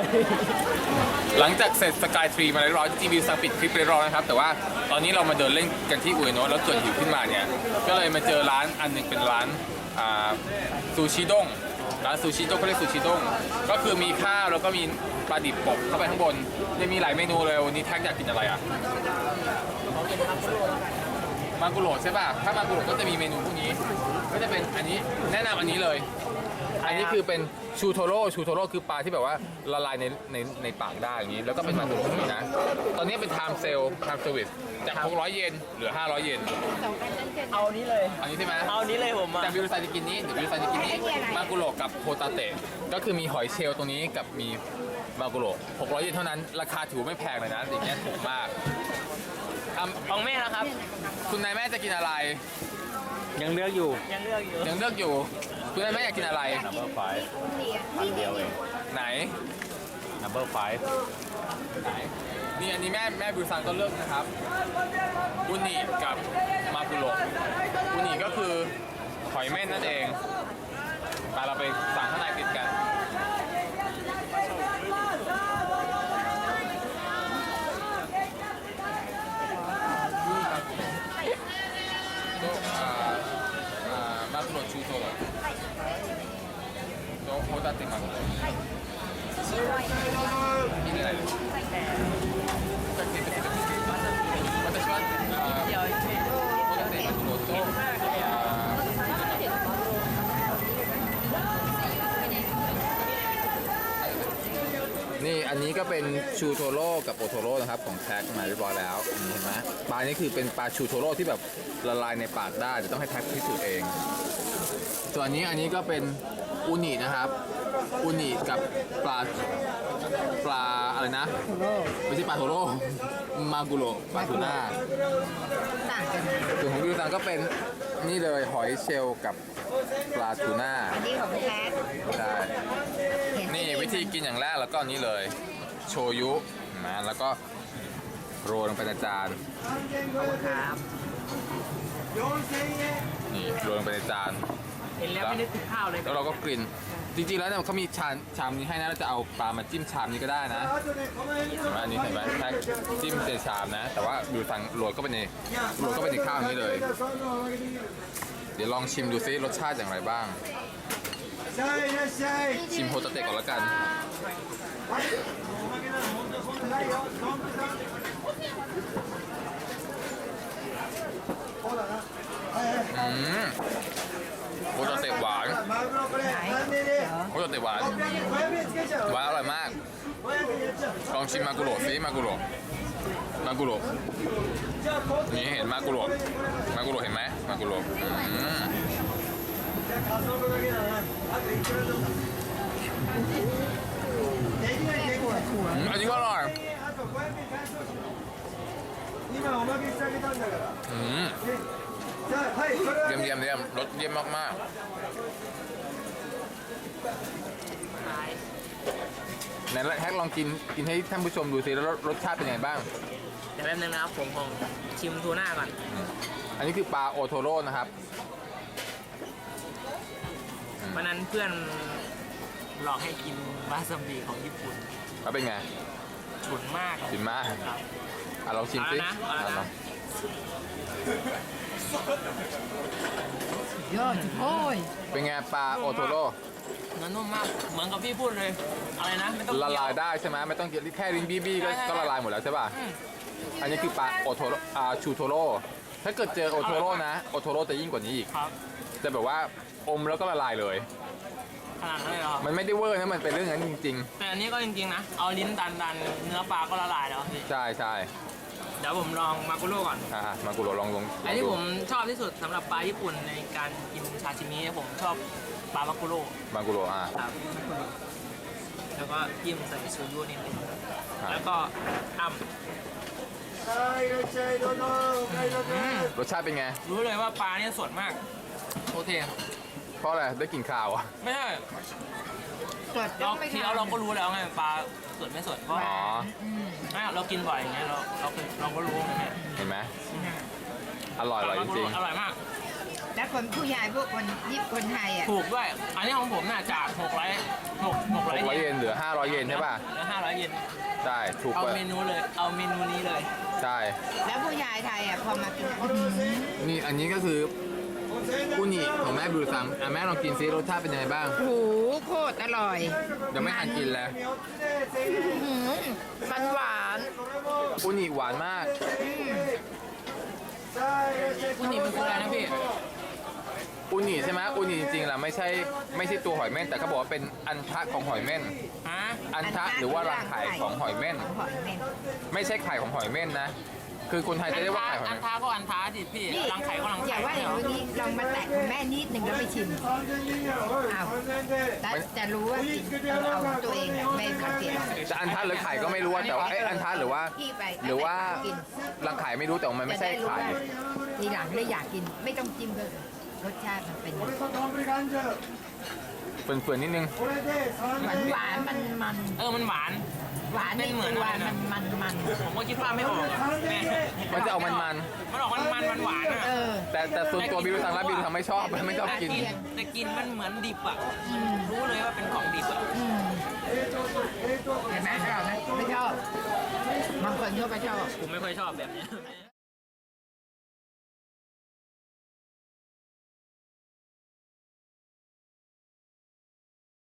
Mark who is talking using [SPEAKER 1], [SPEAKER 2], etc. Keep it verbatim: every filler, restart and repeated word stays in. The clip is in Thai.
[SPEAKER 1] หลังจากเสร็จสกายทรีมาเรียบร้อยที่วิวซังปิดคลิปเรียบร้อยนะครับแต่ว่าตอนนี้เรามาเดินเล่นกันที่อุเอโนะแล้วเกิดหิวขึ้นมาเนี่ยก็เลยมาเจอร้านอันหนึงเป็นร้านซูชิด้งร้านซูชิด้งเขาเรียกซูชิด้งก็คือมีข้าวแล้วก็มีปลาดิบปกเข้าไปข้างบนยังมีหลายเมนูเลยวันนี้แท็กอยากกินอะไรอ่ะมากุโรใช่ป่ะถ้ามากุโรก็จะมีเมนูพวกนี้ก็จะเป็นอันนี้แนะนำอันนี้เลยอันนี้คือเป็นชูโทโร่ชูโทโร่คือปลาที่แบบว่าละลายในในในปากได้อย่างนี้แล้วก็เป็นมากุโรนี่นะตอนนี้เป็นไทม์เซลไทม์เซอร์วิสจากหกร้อยเยนเหลือห้าร้อยเยน
[SPEAKER 2] เอานี้เลย
[SPEAKER 1] อันนี้ใช่ไหม
[SPEAKER 2] เอานี้เลยผม
[SPEAKER 1] แต่วิวไซจะกินนี้เดี๋ยววิวไซจะกินนี้มากุโรกับโฮตาเตะก็คือมีหอยเชลล์ตรงนี้กับมีมากุโรหกร้อยเยนเท่านั้นราคาถือไม่แพงเลยนะอย่างเงี้ยถูกมาก
[SPEAKER 2] ของแม่นะครับ
[SPEAKER 1] คุณนายแม่จะกินอะไร
[SPEAKER 3] ยังเลือกอยู่
[SPEAKER 2] ยังเลือกอยู่
[SPEAKER 1] ยังเลือกอยู่คุณนายแม่อยากกินอะไร
[SPEAKER 3] number five พันเดียวเอง
[SPEAKER 1] ไหน
[SPEAKER 3] number five
[SPEAKER 1] ไหนนี่อันนี้แม่แม่บิวซังก็เลือกนะครับอุนิกับมากุโรอุนิก็คือหอยเม่นนั่นเองไปเราไปสั่งข้างในติดกันマグロ中トロとホタテマグロいいじゃないですか私はホタテマグロとนี่อันนี้ก็เป็นชูโทโร่กับโอโทโร่นะครับของแท็กมาเรียบร้อยแล้วเห็นไหมปลานี้คือเป็นปลาชูโทโร่ที่แบบละลายในปากได้เดี๋ยวต้องให้แท็กพิสูจน์เองส่วนอันนี้อันนี้ก็เป็นอูนินะครับอูนิกับปลาปลาอะไรนะไม่ใช่ปลาโทโร่มากุโรปลาทูน่า
[SPEAKER 4] ต่างกัน
[SPEAKER 1] ส่วนของวิวซังก็เป็นนี่เลยหอยเชลล์กับปลาทูน่า
[SPEAKER 4] อันนี้ของแท้
[SPEAKER 1] ใช่นี่วิธีกินอย่างแรกแล้วก็นี้เลยโชยุนะแล้วก็โรยลงไปในจานนี่โรยลงไปในจาน
[SPEAKER 2] เห็นแล้วไม่นึกถึงข้าวเลย
[SPEAKER 1] แล้วเราก็กลิ่นจริงๆแล้วเนี่ยเขามีชามชามนี้ให้นะเราจะเอาปลามาจิ้มชามนี้ก็ได้นะเห็นไหมอันนี้เห็นไหมแค่จิ้มในชามนะแต่ว่าดูทางโรยก็เป็นในโรยก็เป็นในข้าวนี้เลยเดี๋ยวลองชิมดูซิรสชาติอย่างไรบ้างชิมโฮตาเตะก่อนแล้วกันอืมโฮตาเตะหวานโฮตาเตะหวานหวานอร่อยมากลองชิมมากุโรซิมากุโรมากุโรนี่เห็นมากุโรมากุโรเห็นไหมมากุโรอืมอันนี้ก็อร่อยอืมเยี่ยมเยี่ยมเยี่ยมรสเยี่ยมมากๆไหนแฮกลองกินกินให้ท่านผู้ชมดูสิแล้วรสชาติเป็นยังไงบ้าง
[SPEAKER 2] เดี๋ยวแป๊บนึงนะครับผมผมชิมทูน่าก่อน
[SPEAKER 1] อันนี้คือปลาโอโทโร่นะครับ
[SPEAKER 2] วันนั้นเพื่อนหลอกให้กินวาซาบิของญี่ปุ่น
[SPEAKER 1] แล้วเป็นไง
[SPEAKER 2] ฉุนมาก
[SPEAKER 1] ฉุนมากอ่ะลองชิมสิ
[SPEAKER 4] ยอดโอ้ย
[SPEAKER 1] เป็นไงปลาโอโทโร่
[SPEAKER 2] เนื้อนุ่มมากเหมือนกับพี่พูดเลยอะไรนะไม่ต้อง
[SPEAKER 1] ละลายได้ใช่ไหมไม่ต้องแค่ลิ้นบี้บี้ก็ละลายหมดแล้วใช่ป่ะอันนี้คือปลาโอโทโร่อ่าชูโทโร่ถ้าเกิดเจอโอโทโร่นะโอโทโร่จะยิ่งกว่านี้อีกจะแบบว่าอมแล้วก็ละลายเลย
[SPEAKER 2] ขนาดนั้นเลยเหรอ
[SPEAKER 1] มันไม่ได้เวอร์นะมันเป็นเรื่องนั้นจริง
[SPEAKER 2] ๆแต่อันนี้ก็จริงๆนะเอาลิ้นดันดันเนื้อปลาก็ละลายแล้ว
[SPEAKER 1] ใช่ใช่
[SPEAKER 2] เดี๋ยวผมลองมากุโร่ก่อน
[SPEAKER 1] อ่ามากุโร่ลองลง
[SPEAKER 2] อันที่ผมชอบที่สุดสำหรับปลาญี่ปุ่นในการกินชาชิมิผมชอบปลามากุโร่
[SPEAKER 1] มากุโร่อ่า
[SPEAKER 2] ครับแล้วก็จิ้มใส่โชยุนิดนึงแล้วก็อ้ำ
[SPEAKER 1] รสชาติเป็นไง
[SPEAKER 2] รู้เลยว่าปลาเนี่ยสดมากโอเค
[SPEAKER 1] เพราะอะไรได้กลิ่นข่าวอ่ะ
[SPEAKER 2] ไม่ใช่เราเคี้ยวเราก็รู้แล้วไงปลาสดไม่สดเพราะเรากินบ่อยอย่างเงี้ยเราเราเราก็รู้ไง
[SPEAKER 1] เห็นไหมอร่อยอร่อยจริง
[SPEAKER 2] อร่อยมาก
[SPEAKER 4] แล้วคนผู้ชายพวกคนยิบคนไทยอ่ะ
[SPEAKER 2] ถูกด้วย อันนี้ของผมน่ะจากหกร้อยหกหกร้อย
[SPEAKER 1] หกร้อยเยนเหลือห้าร้อยเยนใช่ป่ะ
[SPEAKER 2] เหลือห้าร้อยเยน
[SPEAKER 1] ใช่ถูก
[SPEAKER 2] เอา
[SPEAKER 1] กว่า
[SPEAKER 2] เมนูเลย เอาเมนูนี้เลย
[SPEAKER 1] ใช่
[SPEAKER 4] แล้วผู้ชายไทยอ่ะพอมากินอื้อหือ
[SPEAKER 1] นี่อันนี้ก็คืออุนิของแม่บิวซังอ่ะแม่ลองกินซิรสชาติเป็นยังไงบ้าง
[SPEAKER 4] โอ้โหโคตรอร่อย
[SPEAKER 1] เดี๋ยวไม่ทันกินแล้ว
[SPEAKER 4] อื้อหือมันหวาน
[SPEAKER 1] อุนิหวานมาก
[SPEAKER 2] อุนิมันคืออะไรนะพี่
[SPEAKER 1] อุนิใช่ไหมอุนิจริงๆแล้วไม่ใช่ไม่ใช่ตัวหอยเม่นแต่เขาบอกว่าเป็นอันทะของหอยเม่น
[SPEAKER 2] ฮะ
[SPEAKER 1] อันทะหรือว่ารังไข่ของหอยเม่น
[SPEAKER 4] ของหอยเม่น
[SPEAKER 1] ไม่ใช่ไข่ของหอยเม่นนะ คือคนไทยจะเรียกว่าไข่หอย
[SPEAKER 2] อัน
[SPEAKER 1] เม่น
[SPEAKER 2] ท้าก็อันท้าดิพี่
[SPEAKER 4] นี่
[SPEAKER 2] รังไข่ก็รัง
[SPEAKER 4] อ
[SPEAKER 2] ไข่
[SPEAKER 4] ย่าว่าอย่างนี้ลองมาแตะคุณแม่นิดหนึ่งแล้วไปชิมอ้าวแต่จะรู้ว่ากินเอาเอาตัวเองอะไม่สังเกต
[SPEAKER 1] จะอันทะหรือไข่ก็ไม่รู้ว่าแต่ว่าเอ้ยอันทะหรือว่า
[SPEAKER 4] พี่ไป
[SPEAKER 1] หรือว่า
[SPEAKER 4] กิน
[SPEAKER 1] รังไข่ไม่รู้แต่ว่ามันไม่ใช่ไข่
[SPEAKER 4] จะด้รู้ว่าทีหลังเลยอยากกินไม่ต้องจิ้มเลยรสชาติมันเป็น
[SPEAKER 1] เฟื่อนๆนิดนึง
[SPEAKER 4] หวานหวานมันมัน
[SPEAKER 2] เออ มันหวาน
[SPEAKER 4] หวานใน
[SPEAKER 2] เป็นเหมื
[SPEAKER 4] ตั
[SPEAKER 2] อน
[SPEAKER 4] ว
[SPEAKER 2] อะไร
[SPEAKER 4] มั
[SPEAKER 2] นะ
[SPEAKER 4] นมันมัน
[SPEAKER 2] ผมก็คิดว่าไม่ออกแม่
[SPEAKER 1] มันจะออกมัน
[SPEAKER 2] มันออกมันมันมันหวานอ่ะ
[SPEAKER 4] เออ
[SPEAKER 1] ๆแต่แต่ส่วนตัวบิวซังแล้วบิวซังไม่ชอบไม่ชอบกิน
[SPEAKER 2] แต่กินมันเหมือนดิบอ่ะมันรู้เลยว่าเป็นของดิบอ่ะ
[SPEAKER 4] อืมเห็นไหมชอบไหมไม่ชอบบางคนเขาก็ชอบ
[SPEAKER 2] ผมไม่ค่อยชอบแบบเนี้ย